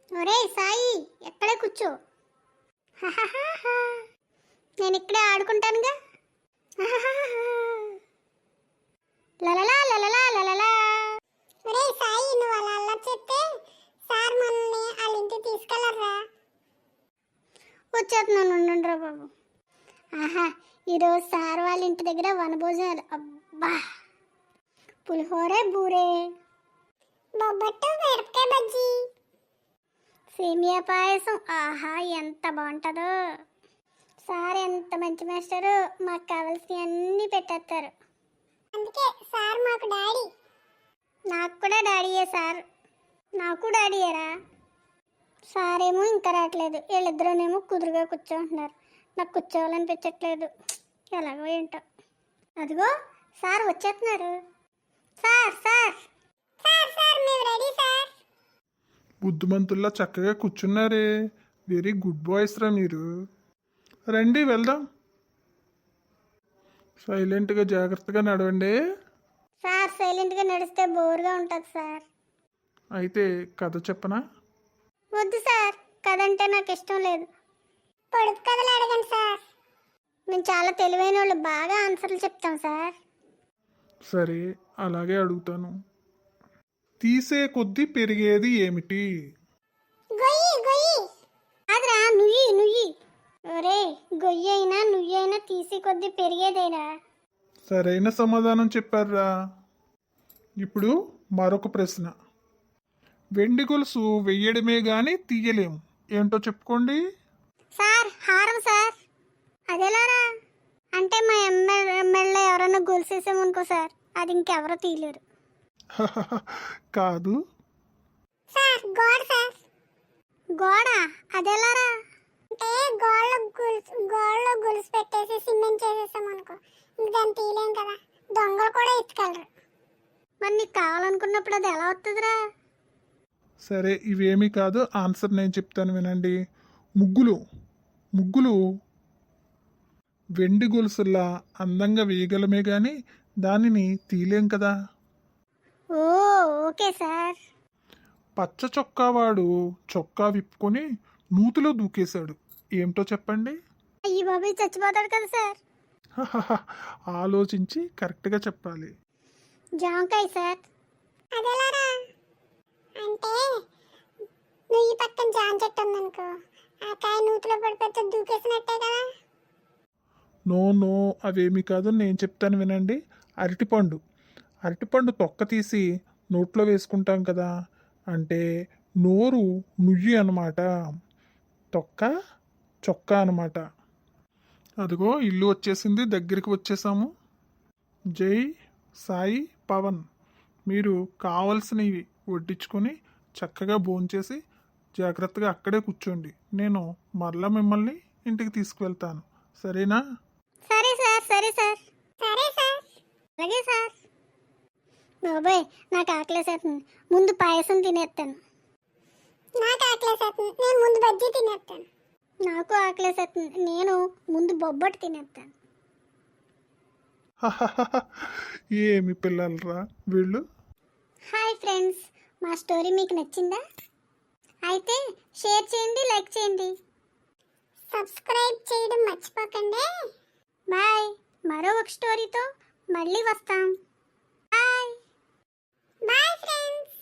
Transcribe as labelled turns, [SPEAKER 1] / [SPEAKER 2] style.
[SPEAKER 1] ఒరే సాయి, ఎక్కడే కూర్చో. హహహహ. నేను ఇక్కడే ఆడుకుంటానుగా. హహహహ. లలలా లలలా లలలా.
[SPEAKER 2] ఒరే సాయి, నువ్వు అలా అల్లరి చెప్తే సార్ మనల్ని వాళ్ళ ఇంటికి తీసుకెళ్లరా?
[SPEAKER 1] వచ్చేస్తున్నాను, ఉండండి రా బాబు. ఆహా, ఈరోజు సార్ వాళ్ళ ఇంటి దగ్గర వనభోజనాలు. అబ్బా, పులిహోరే బూరే,
[SPEAKER 2] బొబ్బట్టు, మిరపకాయ బజ్జీ,
[SPEAKER 1] సేమియా పాయసం. ఆహా, ఎంత బాగుంటుందో. సార్ ఎంత మంచి మాస్టరు, మాకు కావాల్సినవి అన్నీ పెట్టేస్తారు.
[SPEAKER 2] అందుకే సార్ మాకు డాడీ.
[SPEAKER 1] నాకు కూడా డాడీయే సార్. నాకు డాడీయేరా. సార్ ఏమో ఇంకా రావట్లేదు, వీళ్ళిద్దరూనేమో కుదురుగా కూర్చోంటున్నారు. నాకు కూర్చోవాలనిపించట్లేదు, ఎలాగో ఏంటో. అదిగో సార్ వచ్చేస్తున్నారు. సార్ సార్
[SPEAKER 2] సార్ సార్ మేము రెడీ సార్.
[SPEAKER 3] బుద్ధిమంతుల్లా చక్కగా కూర్చున్నారే. వెరీ గుడ్ బాయ్స్ రా మీరు. రండి వెళ్దాం. సైలెంట్గా జాగ్రత్తగా నడవండి.
[SPEAKER 1] సార్ సైలెంట్గా నడిస్తే బోర్గా ఉంటుంది సార్.
[SPEAKER 3] అయితే కథ చెప్పనా?
[SPEAKER 1] వద్దు సార్, కదంటే నాకు ఇష్టం లేదు.
[SPEAKER 2] పొడుపు కథలు అడగండి సార్.
[SPEAKER 1] మేము చాలా తెలివైన వాళ్ళు, బాగా ఆన్సర్లు చెప్తాం సార్.
[SPEAKER 3] సరే, అలాగే అడుగుతాను. తీసే కొద్దీ పెరిగేది ఏమిటి?
[SPEAKER 2] గొయ్యి గొయ్యి.
[SPEAKER 1] అదిరా నుయ్యి నుయ్యి. ఒరే, గొయ్యి అయినా నుయ్యి అయినా తీసి కొద్దీ పెరిగేదేరా.
[SPEAKER 3] సరైన సమాధానం చెప్పారా. ఇప్పుడు మరొక ప్రశ్న. వెండి గొలుసు వెయ్యడమే గాని తీయలేము, ఏంటో చెప్పుకోండి.
[SPEAKER 1] సార్ హారం సార్. అదేలారా? అంటే మా ఎమ్మెల్యే ఎవరైనా గొలుసేసామనుకో సార్, అది ఇంకెవరో తీయలేరు.
[SPEAKER 3] కాదు.
[SPEAKER 2] సార్ గోడ సార్.
[SPEAKER 1] గోడ? అదేలారా?
[SPEAKER 2] అంటే గోడలో గొలుసు పెట్టేసి సిమెంట్ చేసేసాం అనుకో, ఇంక దాన్ని తీయలేం కదా. దొంగలు కూడా ఎత్తుకెళ్ళరు.
[SPEAKER 1] మరి నీకు కావాలనుకున్నప్పుడు అది ఎలా వస్తుందిరా?
[SPEAKER 3] సరే, ఇవేమీ కాదు. ఆన్సర్ నేను చెప్తాను వినండి. ముగ్గులు. ముగ్గులు వెండి గొలుసుల్లా అందంగా వేయగలమే కానీ దానిని తీయలేం కదా.
[SPEAKER 1] Oh okay sir.
[SPEAKER 3] పచ్చ చొక్కావాడు చొక్కా విప్పుకొని నూతిలో దూకేశాడు, ఏమిటో చెప్పండి.
[SPEAKER 1] అయ్యి బాబాయ్, చచ్చిపోతాడు కదా సార్.
[SPEAKER 3] ఆలోచించి కరెక్ట్గా చెప్పాలి.
[SPEAKER 1] జామకాయ సార్.
[SPEAKER 2] అదేలారా? అంటే నువ్వు ఈ పక్కన జామ చెట్టు ఉందనుకో, ఆ కాయ నూతిలో పడిపోతే దూకేసినట్టే కదా.
[SPEAKER 3] నో నో, అవేమీ కాదు, నేను చెప్తాను వినండి. అరటిపండు. అరటిపండు తొక్క తీసి నోట్లో వేసుకుంటాం కదా, అంటే నోరు నుయ్యి అన్నమాట, తొక్క చొక్కా అన్నమాట. అదిగో ఇల్లు వచ్చేసింది, దగ్గరికి వచ్చేసాము. జై సాయి పవన్. మీరు కావలసినవి వడ్డించుకొని చక్కగా భోంచేసి జాగ్రత్తగా అక్కడే కూర్చోండి. నేను మరలా మిమ్మల్ని ఇంటికి తీసుకువెళ్తాను, సరేనా?
[SPEAKER 1] సరే సార్, సరే సార్.
[SPEAKER 2] సరే సార్.
[SPEAKER 1] అలాగే సార్. బాబాయ్, నాకు ఆకలేసేస్తుంది, ముందు పాయసం తినేస్తాను.
[SPEAKER 2] నాకు ఆకలేసేస్తుంది, నేను ముందు బజ్జీ తినేస్తాను.
[SPEAKER 1] నాకు ఆకలేసేస్తుంది, నేను ముందు బొబ్బట్టు తినేస్తాను.
[SPEAKER 3] ఏమి పిల్లలరా వీళ్ళు.
[SPEAKER 1] హాయ్ ఫ్రెండ్స్, మా స్టోరీ మీకు నచ్చిందా? అయితే షేర్ చేయండి, లైక్ చేయండి.
[SPEAKER 2] సబ్స్క్రైబ్ చేయడం మర్చిపోకండి.
[SPEAKER 1] బాయ్. మరో ఒక స్టోరీతో మళ్ళీ వస్తాం. బాయ్.
[SPEAKER 2] Bye friends.